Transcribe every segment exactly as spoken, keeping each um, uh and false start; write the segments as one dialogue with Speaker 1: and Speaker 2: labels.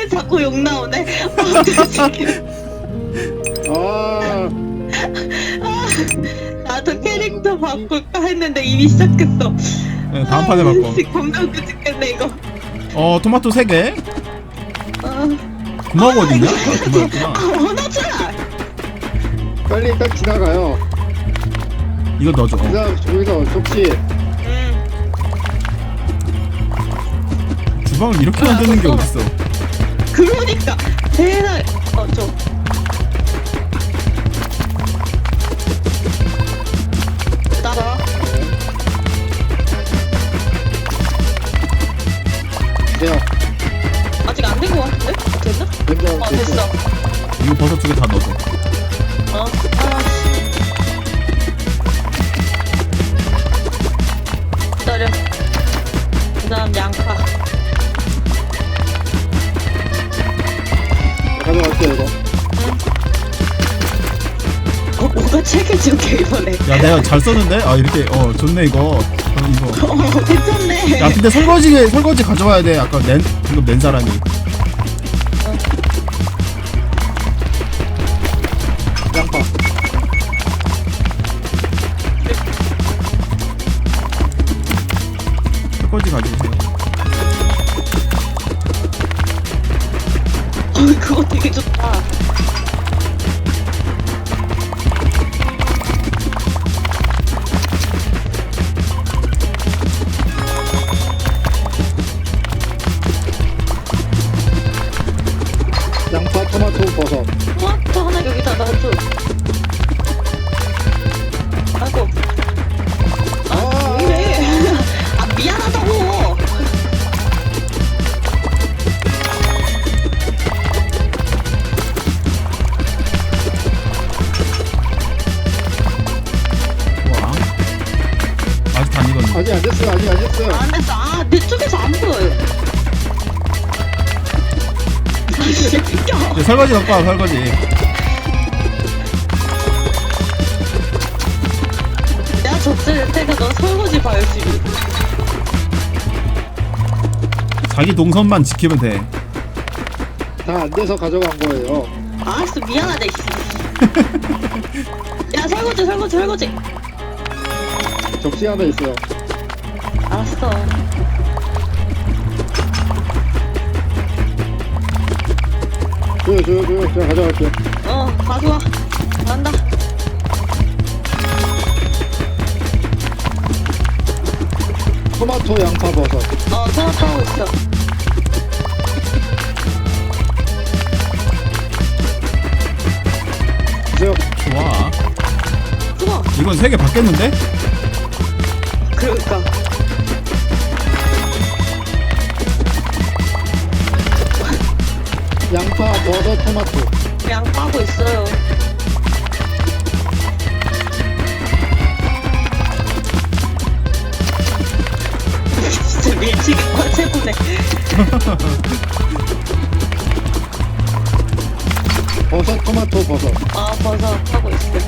Speaker 1: 자꾸 욕 나오네.
Speaker 2: 아,
Speaker 1: 나도 캐릭터 바꿀까 했는데 이미 시작했어.
Speaker 3: 네, 다음 판에 바꿔.
Speaker 1: 겁나 웃겨 죽겠네 이거.
Speaker 3: 어 토마토 세 개.
Speaker 1: 어,
Speaker 3: 구멍 어딨냐? 아, 구멍이었구나.
Speaker 1: 아 원하자.
Speaker 2: 빨리 딱 지나가요.
Speaker 3: 이거 넣어줘. 어.
Speaker 2: 그다음 저기서 접시.
Speaker 1: 응.
Speaker 3: 주방을 이렇게 만드는 게
Speaker 1: 아,
Speaker 3: 어딨어?
Speaker 1: 그러니까 대단. 어 저. 따라.
Speaker 2: 돼요.
Speaker 1: 아직 안 된 거 같은데? 됐나?
Speaker 2: 됐어.
Speaker 1: 어 됐어.
Speaker 3: 이거 버섯 두 개 다 넣어줘.
Speaker 1: 어. 아씨. 기다려. 그다음 양파.
Speaker 2: 가져갈게요 이거.
Speaker 1: 어 뭐가 책임질게 이번에.
Speaker 3: 야 내가 잘 썼는데? 아 이렇게 어 좋네 이거. 어, 이거.
Speaker 1: 어 괜찮네.
Speaker 3: 야 근데 설거지 설거지 가져와야 돼. 아까 낸 방금 낸 사람이.
Speaker 2: 양파.
Speaker 3: 설거지 가져오세요.
Speaker 1: 어 그거 되게 좋다.
Speaker 2: 양파, 토마토, 버섯.
Speaker 1: 토마토 하나 여기다 놔줘. 아이고. 아,
Speaker 2: 아.
Speaker 1: 왜 이래? 아, 미안하다고.
Speaker 3: 와. 아직 안 익었네.
Speaker 2: 아직 안 됐어요. 아직 안 됐어요.
Speaker 1: 안 됐어. 아, 내 쪽에서 안 보여요. 아, 진짜 웃겨.
Speaker 3: 이제 설거지 갖고 와 설거지.
Speaker 1: 내가 젖을 때가 너 설거지 봐, 열심히.
Speaker 3: 자기 동선만 지키면 돼.
Speaker 2: 다 안 돼서 가져간 거예요.
Speaker 1: 알았어, 미안하다, 이씨. 야, 설거지, 설거지, 설거지.
Speaker 2: 접시 하나 있어요.
Speaker 1: 알았어.
Speaker 2: 줘요, 줘요, 줘요. 제가 가져갈게요.
Speaker 1: 어, 가져와. 간다.
Speaker 2: 토마토, 양파, 버섯.
Speaker 1: 어, 토마토 하고 있어.
Speaker 2: 주세요.
Speaker 3: 좋아.
Speaker 1: 좋아.
Speaker 3: 이건 세 개 받겠는데?
Speaker 1: 그러니까.
Speaker 2: 양파, 버섯, 토마토.
Speaker 1: 그냥 빠고 있어요. 진짜 밀치기 최고네.
Speaker 2: 버섯, 토마토, 버섯.
Speaker 1: 아, 버섯 하고 있어.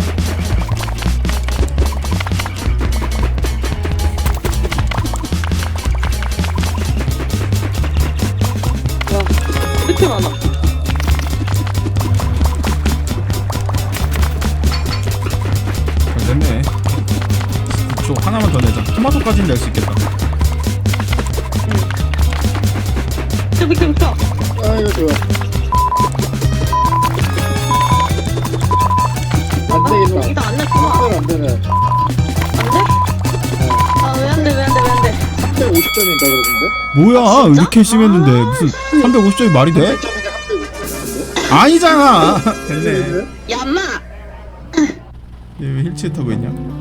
Speaker 1: 와, 이렇게 많아.
Speaker 3: 잘 됐네. 저 하나만 더 내자. 토마토까지는 낼 수 있겠다.
Speaker 1: 좀 비켜, 비켜.
Speaker 2: 아, 이거 줘요. 안 되겠다.
Speaker 1: 여기다 안 냈구나.
Speaker 2: 이걸 안 되네.
Speaker 1: 안 돼? 아, 왜 안 돼, 왜 안 돼, 왜 안 돼?
Speaker 2: 삼백오십 점인가 그러던데?
Speaker 3: 뭐야
Speaker 1: 아, 진짜?
Speaker 3: 이렇게 심했는데 무슨 삼백오십 점이 말이 돼?
Speaker 2: 백 점인데 삼백오십 점인데?
Speaker 3: 아니잖아. 됐네.
Speaker 1: 야, 엄마!
Speaker 3: 얘 왜 휠체어 타고 있냐?